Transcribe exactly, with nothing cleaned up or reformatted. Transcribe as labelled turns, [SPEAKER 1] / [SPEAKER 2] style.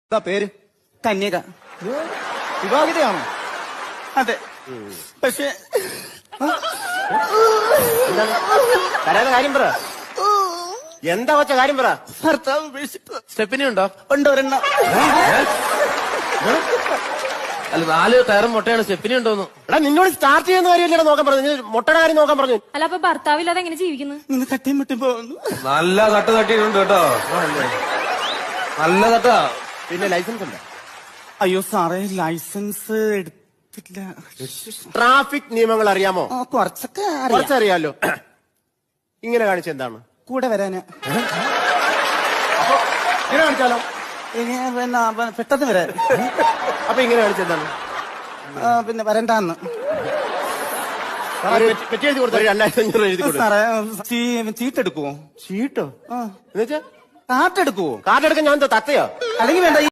[SPEAKER 1] എന്താ പേര്?
[SPEAKER 2] കന്യക.
[SPEAKER 1] വിവാഹിതയാണോ?
[SPEAKER 2] അതെ. പക്ഷെ
[SPEAKER 3] കരയാതെ കാര്യം പറ. എന്താ വച്ച കാര്യം പറ.
[SPEAKER 2] ഭർത്താവ് ഉപേക്ഷിച്ചു.
[SPEAKER 3] സ്റ്റെപ്പിനി ഉണ്ടോ?
[SPEAKER 2] ഉണ്ട് ഒരെണ്ണം.
[SPEAKER 3] അല്ല, നാല് ടയറും മുട്ടയാണ്. സ്റ്റെപ്പിനി ഉണ്ടോന്ന്. എടാ, നിന്നോട് സ്റ്റാർട്ട് ചെയ്യുന്ന കാര്യമല്ലേ നോക്കാൻ പറഞ്ഞു. മുട്ടയുടെ കാര്യം നോക്കാൻ പറഞ്ഞു.
[SPEAKER 4] അല്ല, അപ്പൊ ഭർത്താവില്ലാതെ എങ്ങനെ ജീവിക്കുന്നു?
[SPEAKER 2] നിന്ന് തട്ടിയും മുട്ടി പോകുന്നു.
[SPEAKER 5] നല്ല തട്ട് തട്ടിയിട്ടുണ്ട് കേട്ടോ. നല്ല തട്ടാ.
[SPEAKER 3] പിന്നെ ലൈസൻസ് ഉണ്ട്?
[SPEAKER 2] അയ്യോ സാറേ, ലൈസൻസ് എടുത്തില്ല.
[SPEAKER 3] ട്രാഫിക് നിയമങ്ങൾ അറിയാമോ?
[SPEAKER 2] ആ, കുറച്ചൊക്കെ അറിയാം.
[SPEAKER 3] കുറച്ചറിയാലോ. ഇങ്ങനെ കാണിച്ച എന്താണ്?
[SPEAKER 2] കൂടെ വരാന്.
[SPEAKER 3] ഇങ്ങനെ കാണിച്ചാലോ?
[SPEAKER 2] ഇനി പിന്നെ പ- പെട്ടെന്ന് വരാൻ.
[SPEAKER 3] അപ്പൊ ഇങ്ങനെ കാണിച്ച എന്താണ്?
[SPEAKER 2] ആ, പിന്നെ വരണ്ടാന്ന്.
[SPEAKER 3] പെറ്റി എഴുതി കൊടുത്ത രണ്ടായിരത്തി അഞ്ഞൂറ് എഴുതി കൊടുത്തു.
[SPEAKER 2] സാറേ, ചീ- ചീട്ടെടുക്കുവോ?
[SPEAKER 3] ചീട്ടോ?
[SPEAKER 2] ആ,
[SPEAKER 3] എന്നുവെച്ചാ
[SPEAKER 2] കാട്ടെടുക്കുവോ?
[SPEAKER 3] കാർഡ് എടുക്കാൻ ഞാൻ എന്താ തത്തയോ?
[SPEAKER 2] അല്ലെങ്കിൽ വേണ്ട.